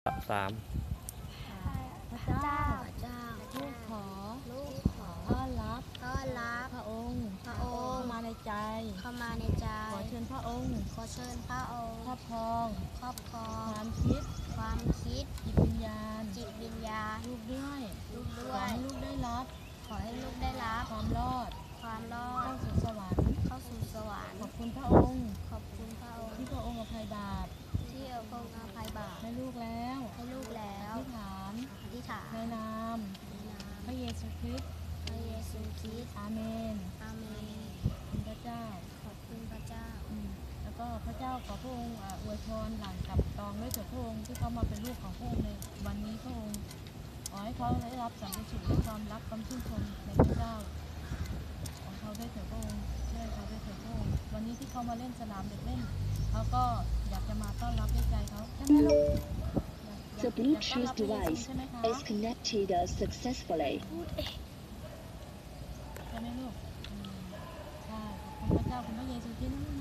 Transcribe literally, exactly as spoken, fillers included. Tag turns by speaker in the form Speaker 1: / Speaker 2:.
Speaker 1: สาม
Speaker 2: พระเจ้า
Speaker 3: เจ้า
Speaker 2: ลูกขอ
Speaker 3: ลูกขอ
Speaker 2: ต้อนรับ
Speaker 3: ต้อนรับ
Speaker 2: พระองค์
Speaker 3: พระองค์
Speaker 2: เข้ามาในใจ
Speaker 3: เข้ามาในใจ
Speaker 2: ขอเชิญพระองค์
Speaker 3: ขอเชิญพระองค์
Speaker 2: ครอบครอง
Speaker 3: ครอบครอ
Speaker 2: ค
Speaker 3: ง
Speaker 2: วามคิด
Speaker 3: ความคิด
Speaker 2: จิตวิญญาณ
Speaker 3: จิตวิญญาณ
Speaker 2: ลูกด้วย
Speaker 3: ลูกด้
Speaker 2: ข
Speaker 3: ว
Speaker 2: อยให้ลูกได้รับ
Speaker 3: ขอให้ลูกได้รับ
Speaker 2: ความรอด
Speaker 3: ความรอ
Speaker 2: เข้า
Speaker 3: ด
Speaker 2: สู่สวรรค์
Speaker 3: เข้าสู่สวรรค์
Speaker 2: ขอบคุณพระองค์
Speaker 3: ขอบคุณพระองค์
Speaker 2: ที่พระองค์อภัยบาป
Speaker 3: ที่เอาพระองค์อภัยบาป
Speaker 2: ให้ลูกแล้ว
Speaker 3: ให้ลูกแล้ว
Speaker 2: อธิษฐาน
Speaker 3: อธิษฐาน
Speaker 2: ในนาม
Speaker 3: ในนาม
Speaker 2: พระเยซูคริสต์
Speaker 3: พระเยซูคริสต์
Speaker 2: อาเมน
Speaker 3: อาเมน
Speaker 2: คุณพระเจ้า
Speaker 3: ขอบคุณพระเจ้า
Speaker 2: อืมแล้วก็พระเจ้าขอพระองค์อ่าอวยพรหลานกับตองด้วยเถิดพระองค์ที่เขามาเป็นลูกของพระองค์ในวันนี้พระองค์ขอให้เขาได้รับสันติสุขและความรักความชื่นชมในพระเจ้าของเขาด้วยเถิดพระองค์ช่วยเขาด้วยเถิดพระองค์วันนี้ที่เขามาเล่นสนามเด็กเล่นเขาก็อยากจะมาต้อนรับด้วยใจเขาใช่ไหมลูก
Speaker 4: The Bluetooth device is connected successfully.
Speaker 2: ใช่ไหมลูกอืมใช่ขอบคุณพระเจ้าคุณพระเยซูที่นั่น